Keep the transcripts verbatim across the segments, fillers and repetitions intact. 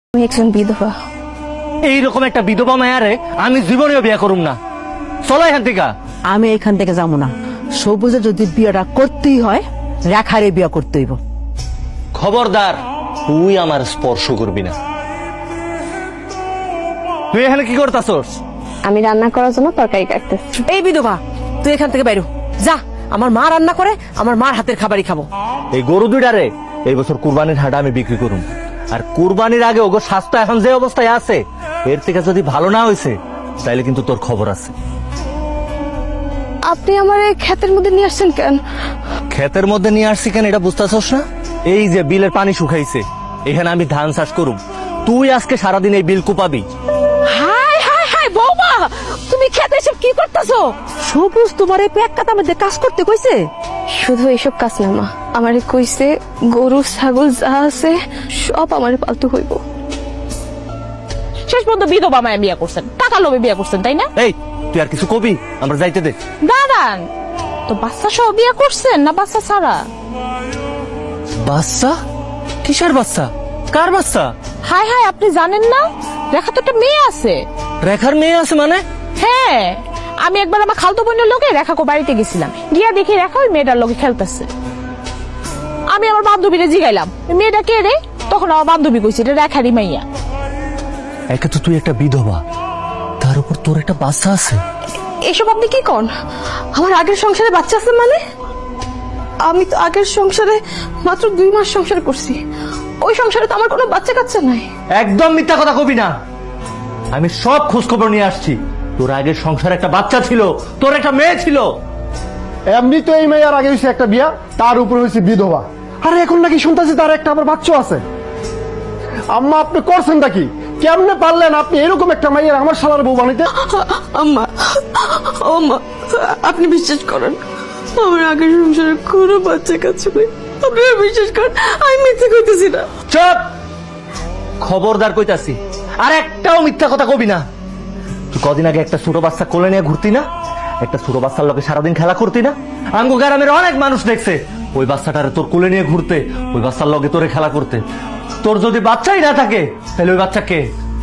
আমি একজন বিধবা। এইরকম একটা বিধবা মায়ারে আমি জীবনেও বিয়ে করুম না। চলো এখান থেকে। আমি এখান থেকে যাবো না। সবুজে যদি বিয়েটা করতেই হয় রেখারে বিয়ে করতে হইব। খবরদার, তুই আমার স্পর্শ করবি না। তুই এখানে কি করতাছস? আমি রান্না করার জন্য তরকারি কাটতেছি। এই বিধবা, তুই এখান থেকে বাইরো যা। আমার মা রান্না করে, আমার মার হাতের খাবারই খাবো। এই গরু দুইটারে এই বছর কুরবানির হাটে আমি বিক্রি করুম। আর কুরবানির আগে ওগো স্বাস্থ্য এখন যে অবস্থায় আছে, এর থেকে যদি ভালো না হয়েছে তাইলে কিন্তু তোর খবর আছে। আপনি আমার এই ক্ষেতের মধ্যে নিয়ে আসছেন কেন? ক্ষেতের মধ্যে নিয়ে আসছি কেন এটা বুঝতেছস না? এই যে বিলের পানি শুকাইছে, এখানে আমি ধান চাষ করুম। তুই আজকে সারাদিন এই বিল কুপাবি। হাই হাই হাই বৌমা, তুমি খেতে এসব কি করতেছো? সবুজ তোমার এই পেট কাটা মধ্যে কাজ করতে কইছে? শুধু এইসব কাজ না মা, আমারে কইছে গরু ছাগল যা আছে সব আমারে পালতু হইব। শেষ পর্যন্ত বিধবা মায়া বিয়ে করছেন, টাকা লোভে বিয়ে করছেন, তাই না? এই তুই আর কিছু কবি? আমরা যাইতে দে। দাঁড়ান তো, বাচ্চা সহ বিয়ে করছেন না বাচ্চা ছাড়া? বাচ্চা? কিসের বাচ্চা? কার বাচ্চা? হাই হাই, আপনি জানেন না রেখা তো একটা মেয়ে আছে। রেখার মেয়ে আছে মানে? হ্যাঁ, আমি একবার আমার খালতো বোনের লোকে রেখাকে বাড়িতে গেছিলাম, গিয়া দেখি রেখা ওই মেয়েটার লোকে খেলতেছে। আমি আমার বান্ধবীরে জিগাইলাম মেয়েটা কে রে, তখন আমার বান্ধবী কইছে এটা রেখারই মাইয়া। একে তো তুই একটা বিধবা, তার উপর তোর একটা বাচ্চা আছে। এসব আপনি কি কন? আমার আগের সংসারে বাচ্চা আছে মানে? আমি তো আগের সংসারে মাত্র দুই মাস সংসার করছি, ওই সংসারে তো আমার কোনো বাচ্চা কাচ্চা নাই। একদম মিথ্যা কথা কবি না। আমি সব খোঁজ খবর নিয়ে আসছি। তোর আগের সংসারে একটা বাচ্চা ছিল, তোর একটা মেয়ে ছিল। এমনি তো এই মেয়ের আগে হয়েছে একটা বিয়া, তার উপর হয়েছে বিধবা, আর এখন নাকি শুনতেছি তার একটা আবার বাচ্চা আছে। আম্মা, আপনি করছেনটা কি? কেমনে পারলেন আপনি এরকম একটা মেয়ের আমার শালার বউ বানাইতে? আম্মা, ও মা, আপনি বিশ্বাস করেন আমার আগের সংসারে কোনো বাচ্চা কাচ্চা নেই। আপনারা বিশ্বাস করেন, আমি মিথ্যে কইতেছি না। চুপ! খবরদার কইতাছি, আর একটাও মিথ্যা কথা কবি না। তুই কদিন আগে একটা ছোট বাচ্চা কোলে নিয়ে ঘুরতি না? একটা ছোট বাচ্চার লোকে সারাদিন খেলা করতি না? আঙ্গু গ্রামের অনেক মানুষ দেখছে ওই বাচ্চাটারে তোর কোলে নিয়ে ঘুরতে, ওই বাচ্চার লগে তোরে খেলা করতে। তোর যদি বাচ্চাই না থাকে তাহলে ওই বাচ্চা কে? ক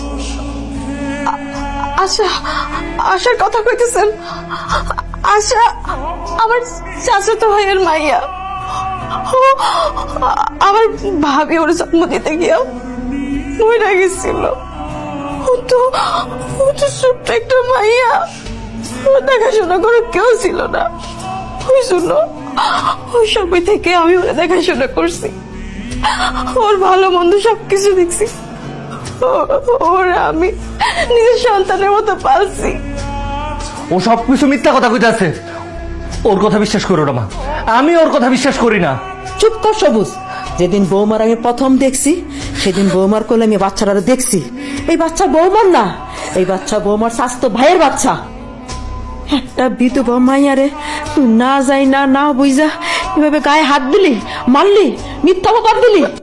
আশা, আশার কথা কইতেছেন? আশা আমার চাচাতো ভাইয়ের মাইয়া। ও আমার ভাবি ওর জন্ম দিতে গিয়া মরে গেছিল। ও তো ও তো ছোট্ট একটা মাইয়া, ওর দেখাশোনা করে কেউ ছিল না। ওই শুনো, ওই সময় থেকে আমি ওরা দেখাশোনা করছি, ওর ভালো মন্দ সবকিছু দেখছি। ওরা আমি নিজের সন্তানের মতো পালছি। ও সব কিছু মিথ্যা কথা কইতাছে। ওর কথা বিশ্বাস করো না মা, আমি ওর কথা বিশ্বাস করি না। চুপ কর সবুজ। যেদিন বৌমার আমি প্রথম দেখছি সেদিন বৌমার কোলে আমি বাচ্চারা দেখছি। এই বাচ্চা বৌমার না, এই বাচ্চা বৌমার স্বাস্থ্য ভাইয়ের বাচ্চা। একটা বিধবা মাইয়ারে তুই না যাই না না বুঝা এভাবে গায়ে হাত দিলি, মারলি, মিথ্যা অপবাদ দিলি।